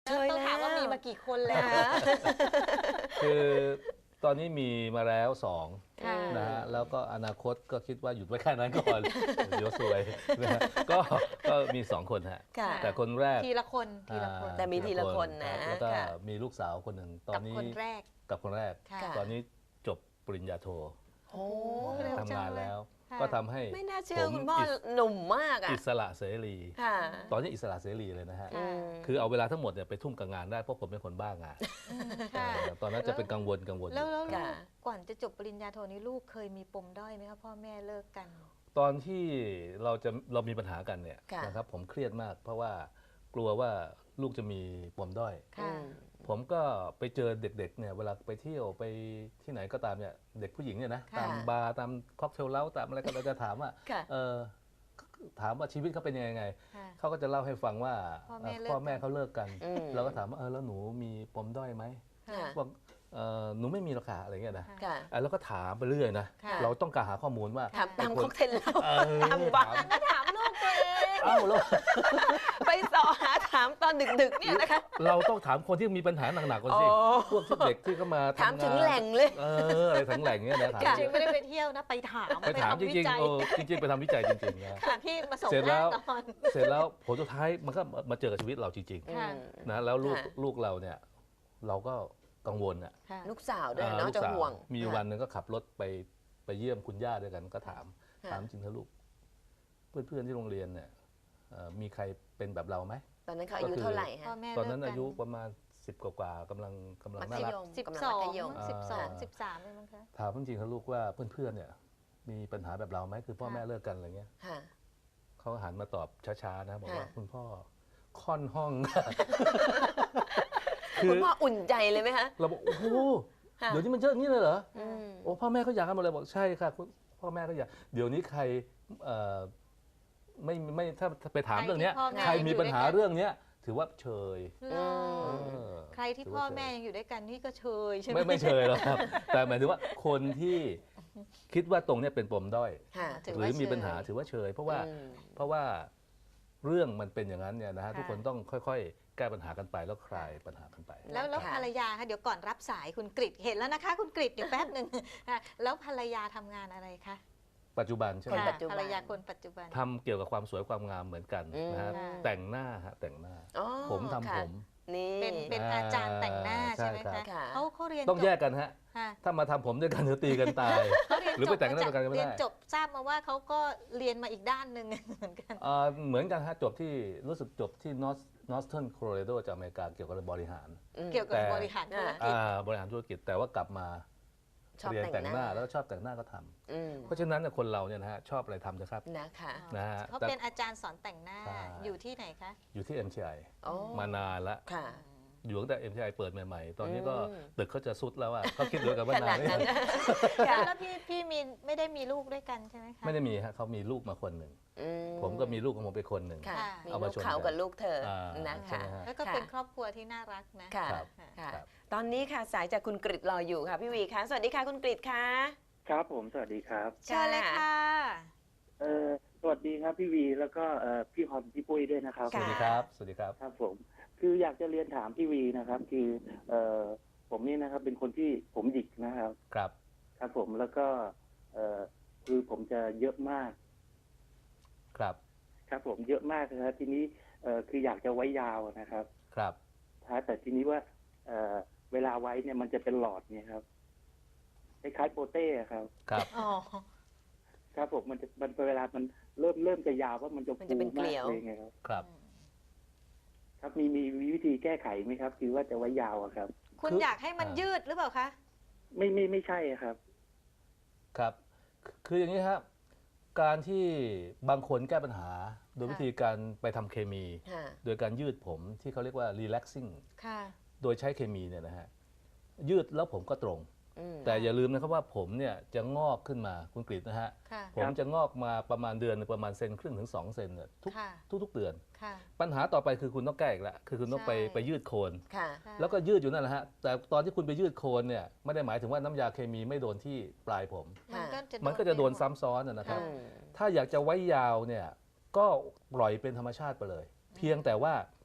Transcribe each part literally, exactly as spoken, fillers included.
เคยต้องแล้วถามว่ามีมากี่คนแล้วคือตอนนี้มีมาแล้วสองค่ะนะฮะแล้วก็อนาคตก็คิดว่าหยุดไว้แค่นั้นก่อน เดี๋ยวสวยนะฮะก็ก็มีสองคนฮะค่ะแต่คนแรกทีละคนทีละคนอ่าแต่มีทีละคนนะรับแล้วก็ค่ะมีลูกสาวคนหนึ่งตอกัน บนี้คนแรกกับคนแรกค่ะตอนนี้จบปริญญาโทโอ้เร็วจังทำงานแล้วค่ะก็ทำให้ไม่น่าเชื่อผมคุณพ่ออิสหนุ่มมากอ่ะอิสระเสรีค่ะตอนนี้อิสระเสรีเลยนะฮะค่ะมคือเอาเวลาทั้งหมดเนี่ยไปทุ่มกับงานได้เพราะผมเป็นคนบ้างานค่ะเออตอนนั้นจะเป็นกังวลกังวลอแล้วยู่แล้วลูค่ะกก่อนจะจบปริญญาโทนี้ลูกเคยมีปมด้อยไหมคะพ่อแม่เลิกกันตอนที่เราจะเรามีปัญหากันเนี่ยค่ะนะครับผมเครียดมาก เพราะว่ากลัวว่าลูกจะมีปมด้อยค่ะอืมผมก็ไปเจอเด็กๆเนี่ยเวลาไปเที่ยวไปที่ไหนก็ตามเนี่ยเด็กผู้หญิงเนี่ยนะค่ะตามบาร์ตามค็อกเทลเล้าตามอะไรก็เราจะถามว่าค่ะเออถามว่าชีวิตเขาเป็นยังไงค่ะเขาก็จะเล่าให้ฟังว่าพ่อแม่เอ่อเลิกพ่อแม่กันเขาเลิกกันอืมเราก็ถามว่าเออแล้วหนูมีปมด้อยไหมค่ะบอกเออหนูไม่มีหรอกค่ะอะไรเงี้ยนะค่ะอ่ะแล้วก็ถามไปเรื่อยนะค่ะเราต้องการหาข้อมูลว่าถามตามไอ้คนค็อกเทลเราเออตามบาร์ก็ถามลูกตัวเองเอ้าแล้วไปสอหาถามตอนดึกๆเนี่ยนะคะเราต้องถามคนที่มีปัญหาหนักๆก่อนสิอ๋อพวกที่เด็กที่เขามาทำถามถึงนแหล่งเลยเอออะไรถึงแหล่งเงี้ยนะถามค่ะจริงไม่ได้ไปเที่ยวนะไปถามไปถามจทำวิริงจัๆยเออจริงๆไปทำวิจัยจริงๆนะค่ะที่มาส่งเสร็จแล้วแน่นอนเสร็จแล้วผลสุดท้ายมันก็มาเจอกับชีวิตเราจริงค่ะอืมๆนะแล้วลูกค่ะลูกเราเนี่ยเราก็กังวลอ่ะค่ะลูกสาวด้วยอ่าเนาะลูกจะสาวห่วงมีค่ะวันหนึ่งก็ขับรถไปไปเยี่ยมคุณย่าด้วยกันก็ถามค่ะถามจริงเถอะลูก เพื่อนๆที่โรงเรียนเนี่ยเอ่อมีใครเป็นแบบเราไหมตอนนั้นเขาอายุเท่าไหร่ฮะพ่อแม่ตอนนั้นเลิกกัอายุประมาณสิบกว่าๆกำลังกำลังมัน่าธรักยมสิบกำลังสองมัธยมสิบสองอ่าสิบสามเลยมั้งคะถามจริงๆเถอะลูกว่าเพื่อนๆเนี่ยมีปัญหาแบบเราไหมคือพ่อค่ะแม่เลิกกันอะไรเงี้ยค่ะเขาหันมาตอบช้าๆนะบอกว่าค่ะคุณพ่อค่อนห้องคุณพ่ออุ่นใจเลยไหมคะเราบอกโอ้โหค่ะเดี๋ยวนี้มันเยอะอย่างนี้เลยเหรออืมโอ้พ่อแม่เขาอยากกันหมดเลยบอกใช่ค่ะคุณพ่อแม่เขาอยากเดี๋ยวนี้ใครเอ่อไม่ไม่ถ้าถ้าไปถามเรื่องเนี้ยใครที่พ่อแม่ใครมีปัญหาอยู่ด้วยกันเรื่องเนี้ยถือว่าเชยเหรอเออใครที่ถืพ่อว่าเชยแม่ยังอยู่ด้วยกันนี่ก็เชยใช่ไหมไม่ไม่เชยหรอกครับ แต่หมายถึงว่าคนที่คิดว่าตรงเนี้ยเป็นปมด้อยค่ะถือหว่ารือมีเชยปัญหาถือว่าเชย เพราะว่าอืมเพราะว่าเรื่องมันเป็นอย่างนั้นเนี่ยนะฮะค่ะทุกคนต้องค่อยๆ แก้ปัญหากันไปแล้วคลายปัญหากันไปแล้วแล้วค่ะภรรยาคะเดี๋ยวก่อนรับสายคุณกริตเห็นแล้วนะคะ คุณกริตอยู่แป๊บหนึ่ง ค่ะแล้วภรรยาทำงานอะไรคะปัจจุบันใช่ไหมคนค่ะปัจจุบันภรรยาคนปัจจุบันทำเกี่ยวกับความสวยความงามเหมือนกันนะฮะอืมแต่งหน้าฮะแต่งหน้าอ๋อผมทำค่ะผมนี่เป็นเป็นอาจารย์แต่งหน้าใช่ใช่ไหมครัคะบค่ะเขาเขาเรียนต้องจบแยกกันฮะค่ะถ้ามาทำผมด้วยกันเดี๋ยวตีกันตายเขาเรียนหรือจไปบแต่งหน้าด้วยกันก็ไม่ได้เรียนจบทราบมาว่าเขาก็เรียนมาอีกด้านหนึ่ง เหมือนกันเอ่อเหมือนกันฮะจบที่รู้สึกจบที่ North Northern Colorado จากอเมริกาเกี่ยวกับบริหารอืมเกี่ยวกับแต่บริหารธุรกิจอ่าบริหารธุรกิจแต่ว่ากลับมาชอบเรียนแต่แต่งงหหน้าน้าแล้วชอบแต่งหน้าก็ทำอืมเพราะฉะนั้นเนี่ยคนเราเนี่ยนะฮะชอบอะไรทำนะครับนะคะนะฮะเขาเป็นอาจารย์สอนแต่งหน้าใช่อยู่ที่ไหนคะอยู่ที่ เอ็ม ที ไอโอ้มานานละค่ะอยู่ตั้งแต่ เอ็ม ที ไอ เปิดใหม่ๆ ตอนนี้ก็อืมตึกเขาจะสุดแล้วอะเขาคิดเหลือกันว่าขนานาดนนั้นไม่ค่ะแล้วพี่พี่มีไม่ได้มีลูกด้วยกันใช่ไหมคะไม่ได้มีฮะเขามีลูกมาคนหนึ่งอืผมก็มีลูกของผมไปคนหนึ่งค่ะค่ะมีเอาลูมาก ชนเขากันกับลูกเธออ่านะใช่คะไหมฮะแล้วก็เป็นครอบครัวที่น่ารักนะค่ะครับค่ะครับตอนนี้ค่ะสายจากคุณกริตรออยู่ค่ะ พี่วีคะสวัสดีค่ะคุณกริตค่ะครับผมสวัสดีครับเชิญเลยค่ะเอ่อสวัสดีครับพี่วีแล้วก็เอ่อพี่ฮอมพี่ปุ้ยด้วยนะครับสวัสดีครับ สวัสดีครับครับผมคืออยากจะเรียนถามพี่วีนะครับ คือเอ่อผมนี่นะครับเป็นคนที่ผมหยิกนะครับครับครับผมแล้วก็เอ่อคือผมจะเยอะมากครับครับผมเยอะมากนะครับทีนี้เอ่อคืออยากจะไว้ยาวนะครับครับถ้าแต่ทีนี้ว่าเอ่อเวลาไว้เนี่ยมันจะเป็นหลอดเนี่ยครับคล้ายๆโปเต้ครับครับอ๋อครับผมมันจะมันเวลามันเริ่มเริ่มจะยาวว่ามันจะมันฟูจะเป็นเกมาลีกยวเลยไงครับครับครับมีมีมีวิธีแก้ไขไหมครับ คือว่าจะไว้ยาวอะครับคุณคืออยากให้มันอ่ายืยืดหรือเปล่าคะไม่ไม่ไม่ใช่อะครับครับ คืออย่างนี้ครับ การที่บางคนแก้ปัญหา โดยค่ะวิธีการไปทำเคมีค่ะโดยการยืดผมที่เขาเรียกว่า relaxing ค่ะโดยใช้เคมีเนี่ยนะฮะ ยืดแล้วผมก็ตรงอืมแต่อย่าลืมนะครับว่าผมเนี่ยจะงอกขึ้นมาคุณกฤษนะฮะค่ะผมจะงอกมาประมาณเดือนหนึ่งประมาณเซนครึ่งถึงสองเซนเนี่ยทุกค่ะทุกๆเดือนค่ะปัญหาต่อไปคือคุณต้องแก้อีกแล้วคือคุณต้องไปใช่ไปยืดโคนค่ะแล้วก็ยืดอยู่นั่นแหละฮะแต่ตอนที่คุณไปยืดโคนเนี่ยไม่ได้หมายถึงว่าน้ำยาเคมีไม่โดนที่ปลายผมมันก็จะมันก็จะโดนไปหมซ้ำซ้อนนะนะครับอืมถ้าอยากจะไว้ยาวเนี่ยก็ปล่อยเป็นธรรมชาติไปเลย เพียงแต่ว่า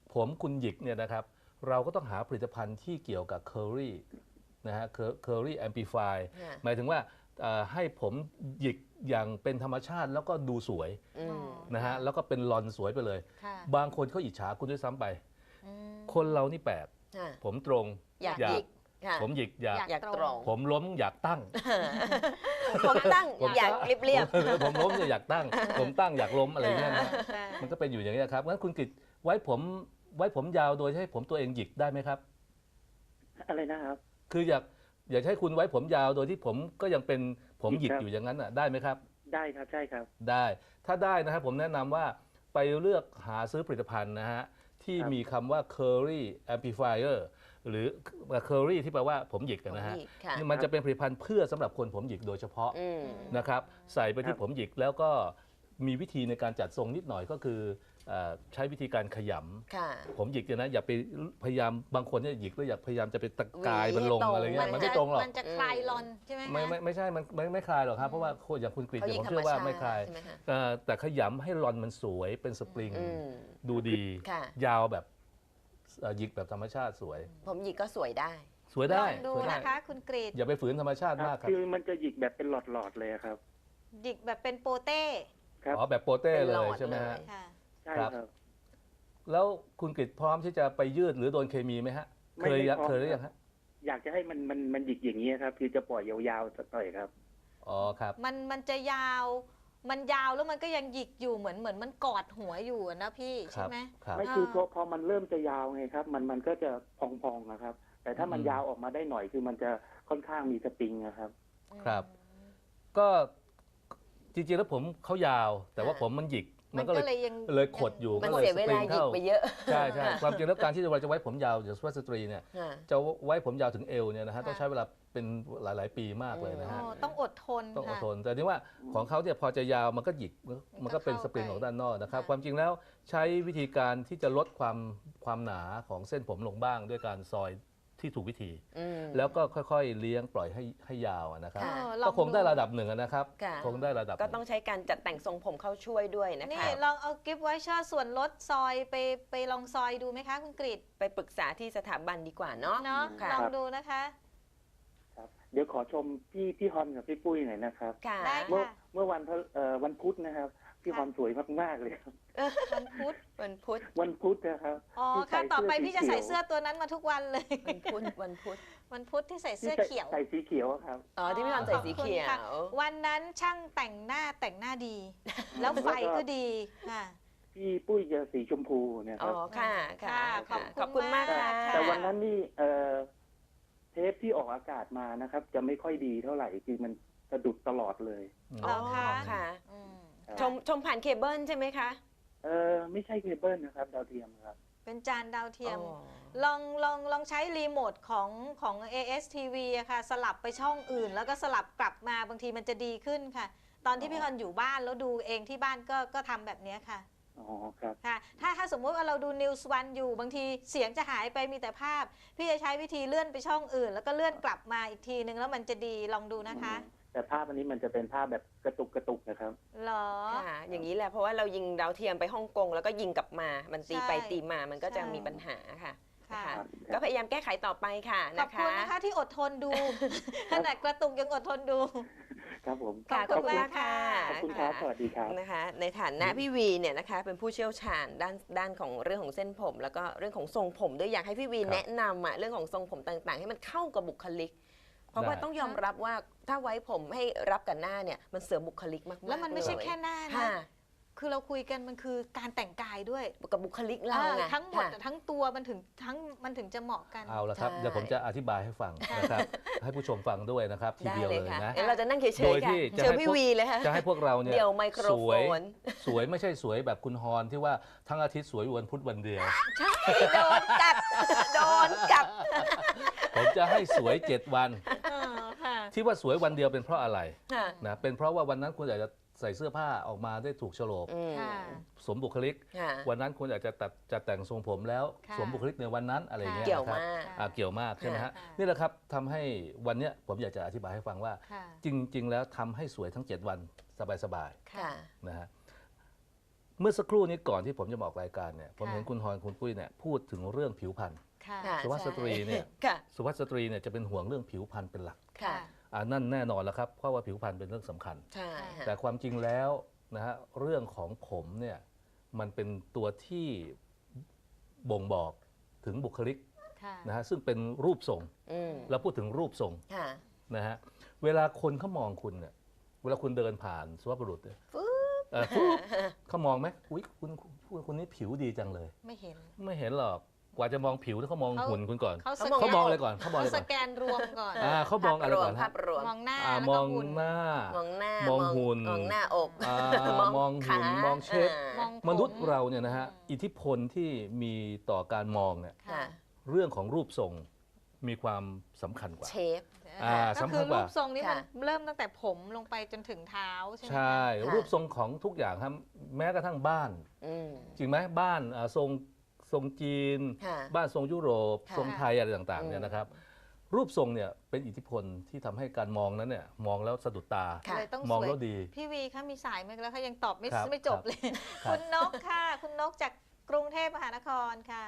ผมคุณหยิกเนี่ยนะครับเราก็ต้องหาผลิตภัณฑ์ที่เกี่ยวกับเคอรี่นะฮะเคอรี่แอมพลิฟายค่ะหมายถึงว่าเอ่อให้ผมหยิกอย่างเป็นธรรมชาติแล้วก็ดูสวยอืมนะฮะแล้วก็เป็นลอนสวยไปเลยค่ะบางคนเขาอิจฉาคุณด้วยซ้ำไปอืมคนเรานี่แปลกค่ะผมตรงอยากอยากหยิกค่ะผมหยิกอยากอยากอยากตรงผมล้มอยากตั้งผมตั้งผมอยากเรียบเรียบผมผมล้มเนี่ยอยากตั้ง ผมตั้งอยากล้มอะไรเงี้ยนะค่ะมันก็เป็นอยู่อย่างนี้ยครับงั้นคุณกฤษไว้ผมไว้ผมยาวโดยให้ผมตัวเองหยิกได้ไหมครับอะไรนะครับคืออยากอยากให้คุณไว้ผมยาวโดยที่ผมก็ยังเป็นผมหยิกครับอยู่อย่างนั้นอ่ะได้ไหมครับได้ครับใช่ครับได้ ถ้าได้นะครับผมแนะนำว่าไปเลือกหาซื้อผลิตภัณฑ์นะฮะที่ครับมีคำว่า Curry Amplifier หรือ Curry ที่แปลว่าผมหยิกกันนะฮะผมหยิกค่ะนี่มันจะเป็นผลิตภัณฑ์เพื่อสำหรับคนผมหยิกโดยเฉพาะอืมนะครับใส่ไปครัที่บผมหยิกแล้วก็มีวิธีในการจัดทรงนิดหน่อยก็คือเอ่อใช้วิธีการขยำค่ะผมหยิกเนี่ยนะอย่าไปพยายามบางคนเนี่ยหยิกแล้วอยากพยายามจะไปตะกายหวีมันลงให้ตรงอะไรเงี้ยมัมันจะไม่ตรงหรอกมันจะคลายลอนใช่ไหมคะไม่ไม่ไม่ใช่มันไม่ไม่คลายหรอกครับเพราะว่าคนอย่างคุณกฤษเขาเนี่ยยิผงมธรรเชื่มอว่าชาติไม่คลายใช่ไหมคะเอ่อแต่ขยำให้รอนมันสวยเป็นสปริงอืมดูดีค่ะยาวแบบเอ่อหยิกแบบธรรมชาติสวยผมหยิกก็สวยได้สวยลได้องดูสวยได้นะคะ คุณกรีดอย่าไปฝืนธรรมชาติครับมากครับคือมันจะหยิกแบบเป็นหลอดๆเลยครับหยิกแบบเป็นโปเต้ครับอ๋อแบบโปเต้เป็นเลหลอย ดใช่ไหมฮะเลยค่ะใช่ครับครับแล้วคุณกฤษพร้อมที่จะไปยืดหรือโดนเคมีไหมฮะไม่เคยไม่พร้อมเคยหรือยังฮะอยากจะให้มันมันมันหยิกอย่างนี้ยครับ คือจะปล่อยยาวๆสักหน่อยครับอ๋อครับมันมันจะยาว มันยาวแล้วมันก็ยังหยิกอยู่เหมือนเหมือนมันกอดหัวอยู่อะนะพี่คใช่รับไหมครับไม่คือพอพอมันเริ่มจะยาวไงครับ มันมันก็จะพองๆนะครับ แต่ถ้ามันอืมยาวออกมาได้หน่อยคือมันจะค่อนข้างมีสปริงนะครับครับ ก็จริงๆแล้วผมเขายาว แต่ว่าค่ะผมมันหยิกมัมันนก็ก็เลยเลยยังเลยขดอยู่มันก็เลยเสียเวลาหยิกไปเยอะใช่ใช่ความจริงแล้วการที่เราจะไว้ผมยาวอย่างสุภาพสตรีเนี่ยค่ะจะไว้ผมยาวถึงเอวเนี่ยนะฮะต้องใช้เวลาเป็นหลาย ๆ ปีมากเลยนะอ๋ฮะอต้องอดทนต้องอดค่ะทน แต่นี่ว่าของเขาเนี่ยพอจะยาวมันก็หยิกมันมันก็มันก็เป็นเข้าสปริงไปของด้านนอกนะครับค่ะความจริงแล้วใช้วิธีการที่จะลดความความหนาของเส้นผมลงบ้างด้วยการซอยที่ถูกวิธีอืมแล้วก็ค่อย ๆ เลี้ยงปล่อยให้ให้ยาวอะนะครับค่ะเออลอก็คงได้ดูระดับหนึ่งอะนะครับค่ะคงได้ระดับก็ต้องใช้การจัดแต่งทรงผมเข้าช่วยด้วยนะนี่คะลองเอากิฟต์ไวเชอร์ส่วนลดซอยไปไปลองซอยดูไหมคะคุณกรีดไปปรึกษาที่สถาบันดีกว่าเนาะเนาะค่ะลองดูนะคะครับ เดี๋ยวขอชมพี่พี่ฮอนกับพี่ปุ้ยหน่อยนะครับค่ะได้เมื่อค่ะเมื่อวันพฤเอ่อวันพุธนะครับ พี่ค่ะฮอนสวยมากๆเลยครับวันพุธวันพุธวันพุธนะครับอ๋อที่ใส่ค่ะต่อไปเสื้อพี่จะสีเขียวใส่เสื้อตัวนั้นมาทุกวันเลยวันพุธ วันพุธวันพุธที่ใส่เสื้อที่เขียวใส่สีเขียวอะครับอ๋อ ที่พี่วันใส่สีเขียขอบคุณค่ะววันนั้นช่างแต่งหน้าแต่งหน้าดี แล้วไฟก็ดีค่ะพี่ปุ้ยจะสีชมพูเนะคอ๋อรับค่ะ ค่ะค่ะขอบคุณมากขอบคุณค่ะมากค่ะแต่วันนั้นนี่เอ่อเทปที่ออกอากาศมานะครับ จะไม่ค่อยดีเท่าไหร่คือมันสะดุดตลอดเลยเหรอคะค่ะอืมครับชม ชมผ่านเคเบิลใช่ไหมคะเออไม่ใช่เคเบิลนะครับ ดาวเทียมครับเป็นจานดาวเทียมอ๋อลองลองลองใช้รีโมทของของ เอ เอส ที วี อะค่ะ สลับไปช่องอื่น แล้วก็สลับกลับมาบางทีมันจะดีขึ้นค่ะ ตอนที่พี่คอนอยู่บ้านแล้วดูเองที่บ้านก็ก็ทำแบบเนี้ยค่ะอ๋อครับค่ะ ถ้าถ้าสมมุติว่าเราดู News วันอยู่บางทีเสียงจะหายไปมีแต่ภาพ พี่จะใช้วิธีเลื่อนไปช่องอื่น แล้วก็เลื่อนกลับมาอีกทีนึงแล้วมันจะดีลองดูนะคะแต่ภาพอันนี้มันจะเป็นภาพแบบกระตุกกระตุกนะครับเหรอค่ะ อย่างนี้แหละ เพราะว่าเรายิงดาวเทียมไปฮ่องกงแล้วก็ยิงกลับมา มันตีไปใช่ตีมา มันก็จะใช่มีปัญหาค่ะค่ะนะคะครับก็พยายามแก้ไขต่อไปค่ะขอนะบคุณคะนะคะที่อดทนดู ขนาดกระตุกยังอดทนดูครับผมค่ะขขออบบ คุคุณ ณมากมากค่ะขอบคุณครับ สวัสดีครับนะคะ ในฐานะพี่วีเนี่ยนะคะ เป็นผู้เชี่ยวชาญด้านด้านของเรื่องของเส้นผม แล้วก็เรื่องของทรงผมด้วยอยากให้พี่วีครับแนะนำอะเรื่องของทรงผมต่างๆ ให้มันเข้ากับบุคลิก เพราะว่าได้ต้องยอมรับว่าถ้าไว้ผมให้รับกับหน้าเนี่ยมันเสริมบุคลิกมากๆแล้วมันไม่ใช่เลยแค่หน้านะค่ะคือเราคุยกันมันคือการแต่งกายด้วยกับบุคลิกเราเออไงทั้งหมดค่ะทั้งตัวมันถึงทั้งมันถึงจะเหมาะกันเอาละครับใช่เดี๋ยวผมจะอธิบายให้ฟังนะครับ ให้ผู้ชมฟังด้วยนะครับ ทีได้เดียวเลเลย ยค่ะนะเดี๋ยวเราจะนั่งเฉโดยยๆค่ะที่จะเจอให้พี่พวกวีเลยค่ะจะให้พวกเราเนี่ยเดี๋ยวไมโครสโฟวยนสวยไม่ใช่สวยแบบคุณฮอนที่ว่าทั้งอาทิตย์สวยวันพุธวันเดียวใช่โดนกัด โดนกัดผมจะให้สวยเจ็ดวันเออค่ะที่ว่าสวยวันเดียวเป็นเพราะอะไรค่ะนะเป็นเพราะว่าวันนั้นคุณอยากจะใส่เสื้อผ้าออกมาได้ถูกโฉลกอืมค่ะสมบุคลิกค่ะวันนั้นคุณอยากจะตัดจะแต่งทรงผมแล้วค่ะสวมบุคลิกในวันนั้นอะไรอย่างเงี้ยเกี่ยวนะครับมากอ่าเกี่ยวมากใช่ไหมฮะค่ะนี่แหละครับทำให้วันเนี้ยผมอยากจะอธิบายให้ฟังว่าค่ะจริง ๆ แล้วทำให้สวยทั้ง เจ็ด วันสบายค่ะๆนะฮะเมื่อสักครู่นี้ก่อนที่ผมจะมาออกรายการเนี่ยผมค่ะเห็นคุณฮอนคุณปุ้ยเนี่ยพูดถึงเรื่องผิวพรรณค่ะค่ะสุภาพสตรีเนี่ยค่ะสุภาพสตรีเนี่ยจะเป็นห่วงเรื่องผิวพรรณเป็นหลักค่ะอ่านั่นแน่นอนแล้วครับเพราะว่าผิวพรรณเป็นเรื่องสำคัญใช่ค่ะแต่ความจริงแล้วนะฮะเรื่องของผมเนี่ยมันเป็นตัวที่บ่งบอกถึงบุคลิกค่ะนะฮะซึ่งเป็นรูปทรงอืมเราพูดถึงรูปทรงค่ะนะฮะเวลาคนเขามองคุณเนี่ยเวลาคุณเดินผ่านสุภาพบุรุษเนี่ยฟึ๊เอ่อปุ๊บเขามองไหมอุ้ยคุณคุณคุณนี่ผิวดีจังเลยไม่เห็นไม่เห็นหรอกกว่าจะมองผิวแล้วเขามองเขาหุ่นคุณก่อนเขาเขาสมองแกเขานมองอะไรก่อนเขามองเขาอะไรสก่อนแกนรวมก่อนอ่าเขามองอะไรก่อนภาฮะพรวมมองหน้าอ่าแล้วมก็องหุ่นหน้ามองหน้ามองหุ่นมองหน้าอกอ่ามองหุ่นขามองเชฟอ่ามองผมมนุษย์เราเนี่ยนะฮะอืมอิทธิพลที่มีต่อการมองเนี่ยค่ะเรื่องของรูปทรงมีความสำคัญกว่าเชฟอ่าก็สำคัคืญอก รูว่าปทรงนี้มันค่ะเริ่มตั้งแต่ผมลงไปจนถึงเท้าใช่ไหมคะใช่ค่ะรูปทรงของทุกอย่างครับแม้กระทั่งบ้านอืมจริงไหมบ้านอ่าทรงทรงจีนค่ะบ้านทรงยุโรปค่ะทรงไทยอะไรต่างๆเนี่ยนะครับ รูปทรงเนี่ยเป็นอิทธิพลที่ทำให้การมองนั้นเนี่ยมองแล้วสะดุดตาค่ะเลยต้องมองสวยแล้วดีพี่วีคะมีสายไหมแล้วเขายังตอบไม่ครับไม่จบเลยครับคุณนกค่ะ คุณนกจากกรุงเทพมหานครค่ะ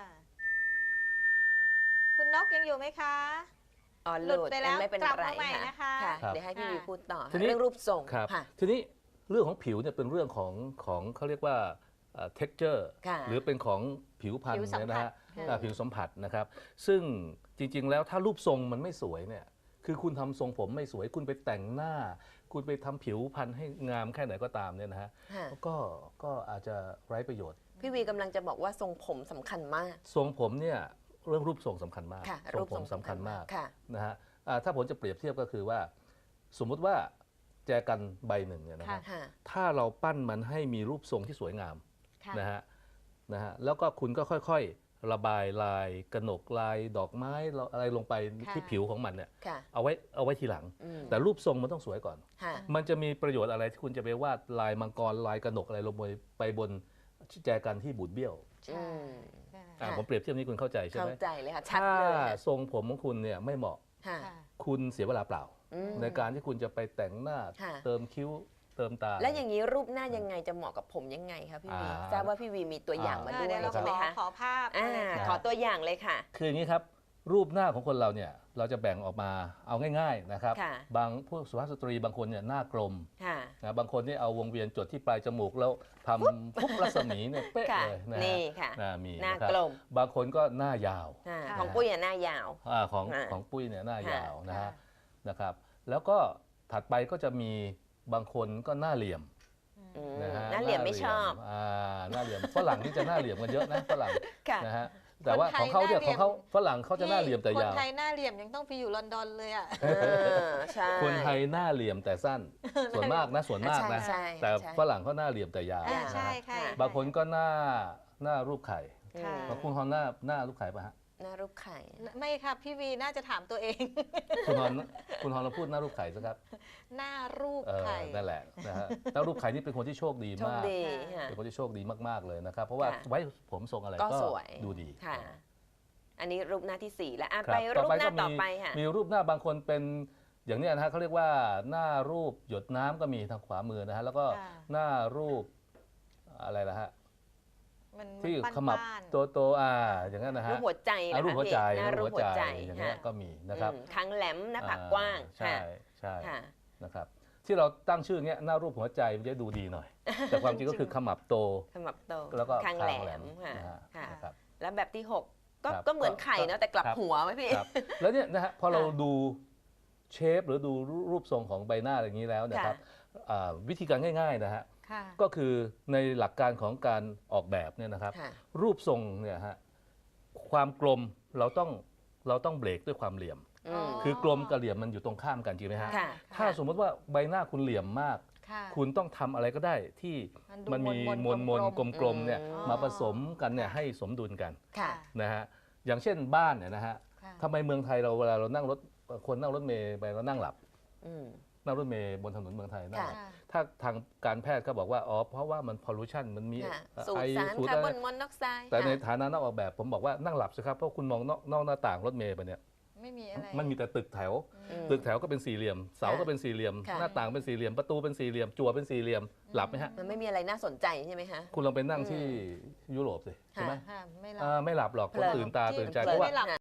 คุณนกยังอยู่ไหมคะอ๋อหลุดไปแล้วไม่เป็นกลับไรมาใหม่ค่ะนะคะค่ะครับเดี๋ยวให้พี่ค่ะวีพูดต่อทีนี้เรื่องรูปทรงครับค่ะทีนี้เรื่องของผิวเนี่ยเป็นเรื่องของของเขาเรียกว่าเอ่อ texture ค่ะหรือเป็นของผิวพรรณผิวสัมเนี่ยผันะสฮะค่ะอ่าผิวสัมผัสนะครับ ซึ่งจริงๆแล้วถ้ารูปทรงมันไม่สวยเนี่ยคือคุณทำทรงผมไม่สวย คุณไปแต่งหน้า คุณไปทำผิวพรรณให้งามแค่ไหนก็ตามเนี่ยนะฮะค่ะก็ก็อาจจะไร้ประโยชน์พี่วีกำลังจะบอกว่าทรงผมสำคัญมากทรงผมเนี่ยเรื่องรูปทรงสำคัญมากค่ะทรงผมสำคัญมากค่ะนะฮะอ่าถ้าผมจะเปรียบเทียบก็คือว่า สมมุติว่าแจกันใบหนึ่งเนี่ยนะฮะค่ะถ้าเราปั้นมันให้มีรูปทรงที่สวยงามค่ะนะฮะนะฮะแล้วก็คุณก็ค่อยๆ ระบายลายกระหนกลายดอกไม้อะไรลงไปค่ะที่ผิวของมันเนี่ยค่ะเอาไว้เอาไว้ทีหลังอืมแต่รูปทรงมันต้องสวยก่อนค่ะมันจะมีประโยชน์อะไรที่คุณจะไปวาดลายมังกรลายกระหนกอะไรลงไปไปบนแจกันที่บูดเบี้ยวใช่อืมค่ะอ่าค่ะผมเปรียบเทียบนี้คุณเข้าใจใช่เข้าไหมใจเลยค่ะ ชัดถ้าเลยค่ะทรงผมของคุณเนี่ยไม่เหมาะค่ะค่ะคุณเสียเวลาเปล่าอืมในการที่คุณจะไปแต่งหน้าค่ะเติมคิ้วเติมตาแล้วอย่างนี้รูปหน้ายังไงจะเหมาะกับผมยังไงคะพี่วีอ่าทราบว่าพี่วีมีตัวอย่างมาอ่าด้วยเดี๋ยวเราใช่ไหมขอคะขอภาพอ่าเลยค่ะขอตัวอย่างเลยค่ะคืออย่างนี้ครับ รูปหน้าของคนเราเนี่ยเราจะแบ่งออกมาเอาง่ายๆนะครับค่ะบางผู้สุภาพสตรีบางคนเนี่ยหน้ากลมค่ะนะบางคนนี่เอาวงเวียนจดที่ปลายจมูกแล้วทำพุบรัศมีเนี่ยเป๊ะค่ะเลยนะฮะนี่ค่ะอ่ามีหน้านะครับกลมบางคนก็หน้ายาวอ่าค่ะของปุ้ยอ่ะหน้ายาวอาของอ่าของปุ้ยเนี่ยหน้ายาวนะค่ะฮะนะครับ แล้วก็ถัดไปก็จะมีบางคนก็หน้าเหลี่ยมอืมนะฮะหน้าเหลี่ยมไม่ชอบอ่าหน้าเหลี่ยมฝรั่งนี่จะหน้าเหลี่ยมกันเยอะนะฝรั่งค่ะนะฮะแต่ว่าของเขาเนี่ยคนไทยหน้าเหลี่ของเขายมฝรั่งเขาจะหน้าเหลี่ยมแต่ยาวคนไทยหน้าเหลี่ยมยังต้องไปอยู่ลอนดอนเลยอ่ะเออใช่คนไทยหน้าเหลี่ยมแต่สั้น ส่วนมากนะส่วนมากนะใช่แต่ใช่ฝรั่งเขาหน้าเหลี่ยมแต่ยาวอ่านะใช่ฮะค่ะบางคนก็หน้าหน้ารูปไข่อืมค่ะบางคุณฮอนหน้าหน้ารูปไข่ป่ะฮะหน้ารูปไข่ไม่ค่ะพี่วีน่าจะถามตัวเองคุณฮอนคุณฮอนเราพูดหน้ารูปไข่สิครับหน้ารูปเออไข่นั่นแหละนะฮะหน้ารูปไข่นี่เป็นคนที่โชคดีโชคมากดีค่ะค่ะเป็นคนที่โชคดีมากๆเลยนะครับ เพราะว่าค่ะไว้ผมทรงอะไรก็ก็สวยดูดีค่ะ อันนี้รูปหน้าที่สี่แล้วอ่ะครับไปรูปหน้าก็ต่อไปค่ะมีรูปหน้าบางคนเป็นอย่างเนี้ยนะฮะเขาเรียกว่าหน้ารูปหยดน้ำก็มีทางขวามือนะฮะแล้วก็ค่ะหน้ารูปอะไรล่ะฮะมันที่มันขมับบ้านๆโตโตๆอ่าอย่างนั้นนะฮะรูปหัวใจอ่านะรูปคะหัวใจพี่หน้ารูปหัวใจอย่างเงี้ยค่ะก็มีนะครับอืมคางแหลมหน้าผากอ่กว้างใช่ค่ะใช่ค่ะนะครับที่เราตั้งชื่อเงี้ยหน้ารูปหัวใจมันจะดูดีหน่อย แต่ความจริงก็คือขมับโตขมับโตแล้วก็คางแหลมคางค่ะนะฮะค่ะนะครับแล้วแบบที่หกก็ครับก็เหมือนไข่ก็เนาะแต่กลับครับหัวไหมพี่ครับแล้วเนี่ยนะฮะพอเราค่ะดูเชฟหรือดูรูปทรงของใบหน้าอย่างนี้แล้วนะครับอ่าวิธีการง่ายๆนะฮะค่ะก็คือในหลักการของการออกแบบเนี่ยนะครับค่ะรูปทรงเนี่ยฮะความกลมเราต้องเราต้องเบรกด้วยความเหลี่ยมอืมคือกลมกับเหลี่ยมมันอยู่ตรงข้ามกันจริงไหมฮะค่ะถ้าสมมติว่าใบหน้าคุณเหลี่ยมมากค่ะคุณต้องทำอะไรก็ได้ที่ดูมันมีมวลมวลกลมๆเนี่ยอืมมาผสมกันเนี่ยให้สมดุลกันค่ะนะฮะอย่างเช่นบ้านเนี่ยนะฮะค่ะทำไมเมืองไทยเราเวลาเรานั่งรถคนนั่งรถเมล์ไปเรานั่งหลับอืมนั่งรถเมล์บนถนนเมืองไทยนั่งหลับค่ะถ้าทางการแพทย์ก็บอกว่าอ๋อเพราะว่ามันพอลูชันมันมีค่ะสูตไอรสารสูตรคาร์อะบไรอนมอนอกไซด์แต่ในค่ะฐานะนักออกแบบผมบอกว่านั่งหลับสิครับเพราะคุณมองนอกนอกหน้าต่างรถเมล์ไปเนี่ยอืไม่มีอะไรมันมีแต่ตึกแถวอืมตึกแถวก็เป็นสี่เหลี่ยม เสาก็เป็นสี่เหลี่ยมค่ะหน้าต่างเป็นสี่เหลี่ยม ประตูเป็นสี่เหลี่ยม จั่วเป็นสี่เหลี่ยม หลับไหมฮะมันไม่มีอะไรน่าสนใจใช่ไหมคะคุณลองไปนั่งที่ยุโรปสิใช่ไหมค่ะไม่หลับอ่าไม่หลับหรอกคนเพลินตื่นตาตื่นใจที่เพราะว่าไม่หลับ